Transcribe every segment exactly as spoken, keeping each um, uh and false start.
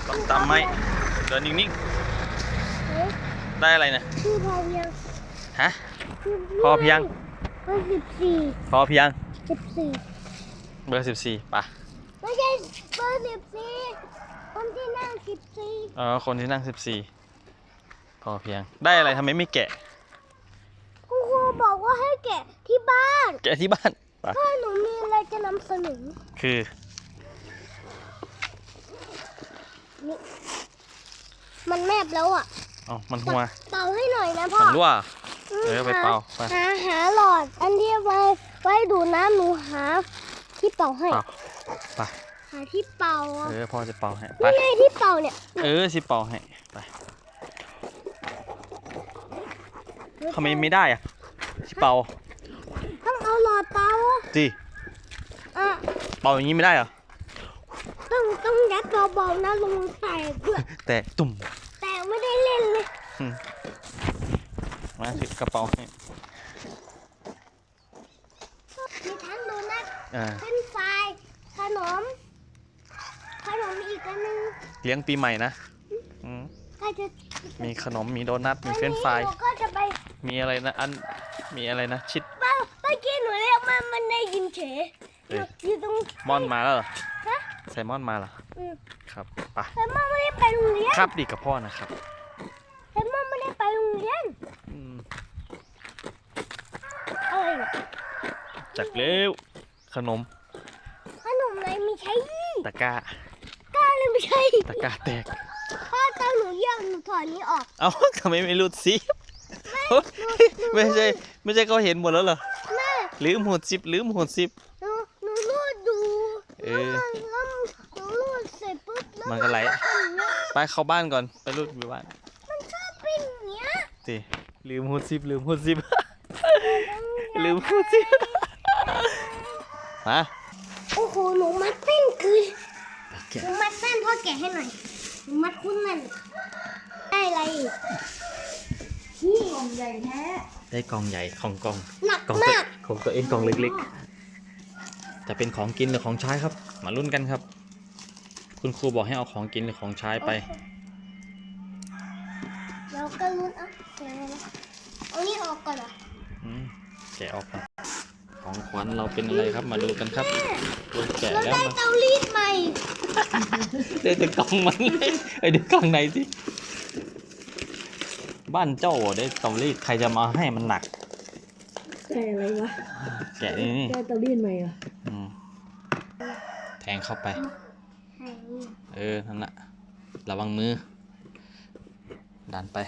ต้องตามไหมเดินนิ่งๆได้อะไรนะคือพอเพียงฮะพอเพียงเบอร์สิบสี่พอเพียงสิบสี่เบอร์สิบสี่ป่ะไม่ใช่เบอร์สิบสี่คนที่นั่งสิบสี่เออคนที่นั่งสิบสี่พอเพียงได้อะไรทำไมไม่แกะคุณครูบอกว่าให้แกะที่บ้านแกะที่บ้านป่ะถ้าหนูมีอะไรจะนำเสนอคือมันแมบแล้วอ่ะอ๋อมันหัวเป่าให้หน่อยนะพ่อมันรั่วเออไปเป่าไปหาหาหลอดอันที่ไว้ไว้ดูน้ำหนูหาที่เป่าให้ไปหาที่เป่าเออพ่อจะเป่าให้ไปนี่ไงที่เป่าเนี่ยเออสิเป่าให้ไปทำไมไม่ได้อะสิเป่าต้องเอาหลอดเป่าจีอ่ะเป่าอย่างนี้ไม่ได้เหรอต้องต้องยัดเบาๆนะลงแตกด้วยแต่ตุ่มแต่ไม่ได้เล่นเลยมาถือกระเป๋าให้มีทั้งโดนัทเป็นไฟขนมขนมอีกอันนึงเลี้ยงปีใหม่นะก็จะมีขนมมีโดนัทมีเฟรนช์ฟรายก็จะไปมีอะไรนะอันมีอะไรนะชิดเมื่อกี้หนูเรียกมันมันได้ยินเฉยอยู่ตรงมอนมาแล้วเหรอไซมอนมาเหรอครับไปไซมอนไม่ได้ไปโรงเรียนครับดีกับพ่อนะครับไซมอนไม่ได้ไปโรงเรียนอะไรจากเร็วขนมขนมอะไรไม่ใช่ตะกร้าก้าเลยไม่ใช่ตะกร้าแตกพ่อตอนหนูย่างหนูถอดนี้ออกเอ้าทำไมไม่รูดซิไม่ใช่ไม่ใช่เขาเห็นหมดแล้วเหรอลืมหูดซิปลืมหูดซิปหนูหนูรูดดูเออหนูรูดเสร็จปุ๊บมันก็ไหลไปเข้าบ้านก่อนไปรูดไปบ้านมันชอบเป็นอย่างเงี้ยสิลืมหูดซิปลืมหูดซิปลืมหูดซิปมาโอ้โหหนูมัดเส้นคือหนูมัดเส้นพ่อแกะให้หน่อยหนูมัดคุ้นนั่นได้อะไรนี่กล่องใหญ่แท้ได้กล่องใหญ่ของกล่องหนักมากของตัวเองกล่องเล็กๆจะเป็นของกินหรือของใช้ครับมาลุ้นกันครับคุณครูบอกให้เอาของกินหรือของใช้ไปเราก็ลุ้นเอาแกะนะเอานี่ออกก่อนเหรอแกะออกก่อนของขวัญเราเป็นอะไรครับมาดูกันครับแกะแล้วได้เตารีดใหม่เดี๋ยวจะกล่องมันเลยไอเดี๋ยวกล่องไหนสิบ้านเจ้าได้เตารีดใครจะมาให้มันหนักแกะอะไรวะแกะนี่แกะเตารีดใหม่เหรอแทงเข้าไปเออนั่นแหละระวังมือดันไป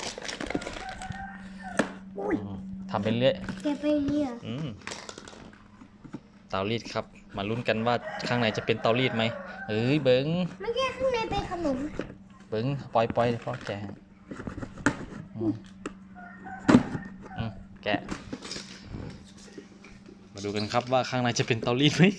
ทำเป็นเรื่อยแกะไปเรื่อยเตารีดครับมาลุ้นกันว่าข้างในจะเป็นเตารีดไหมเอ้ยเบิ้งไม่ใช่ข้างในเป็นขนมเบิ้งปล่อยปล่อยพ่อแกะแกะมาดูกันครับว่าข้างในจะเป็นเตารีดไหม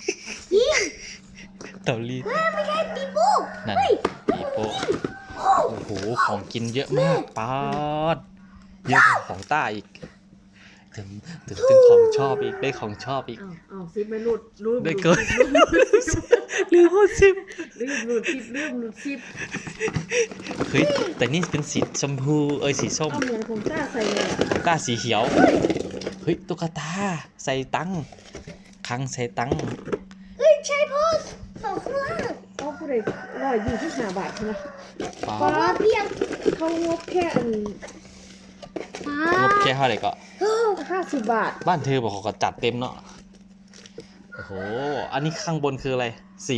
เตารีดไม่ใช่ปีโป้นั่นปีโป้โอ้โหของกินเยอะมากป๊าดเยอะกว่าของต้าอีกถึงถึงถึงของชอบอีกได้ของชอบอีกอ้าวซิปไม่หลุดรูดได้เกินลืมพูดซิปลืมหลุดซิปลืมหลุดซิปเฮ้ยแต่นี่เป็นสีชมพูเอ้ยสีส้มเหมือนของต้าใส่เลยของต้าสีเขียวเฮ้ยตุ๊กตาใส่ตังคังใส่ตังเฮ้ยใช่พ่อสองข้างล่างเขาพูดเลยร้อยยี่สิบห้าบาทใช่ไหมปลาเพียงเขางบแค่อันงบแค่เท่าไหร่ก็ห้าสิบบาทบ้านเธอบอกเขาก็จัดเต็มเนาะโอ้โหอันนี้ข้างบนคืออะไรสี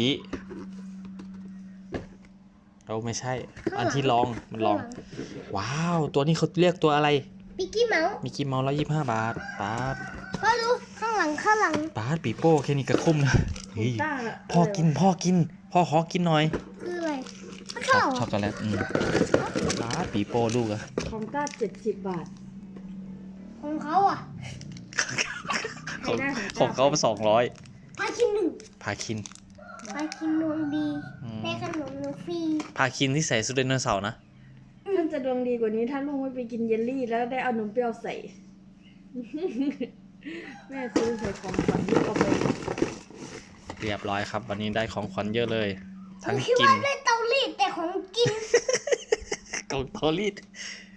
เราไม่ใช่อันที่ลองมันลองว้าวตัวนี้เขาเรียกตัวอะไรมิกกี้เมาส์มิกกี้เมาส์ร้อยยี่สิบห้าบาทป๊าดพ่อดูข้างหลังข้างหลังป๊าดปีโป้แค่นี้ก็คุ้มนะเฮ้ยพ่อกินพ่อกินพ่อขอกินหน่อยคืออะไรช็อกโกแลตอืมป๊าดปีโป้ลูกอะของต้าเจ็ดสิบบาทของเขาอ่ะของของเขาสองร้อยพาคินหนึ่งพาคินพาคินดวงดีได้ขนมนูฟรีพาคินที่ใส่สุดไดโนเสาร์นะท่านจะดวงดีกว่านี้ถ้าลุงไม่ไปกินเยลลี่แล้วได้เอานมเปรี้ยวใส่แม่ซื้อใส่ของขวัญลูกเอาไปเรียบร้อยครับวันนี้ได้ของขวัญเยอะเลยทั้งกินได้เตารีดแต่ของกินกล่องเตารีด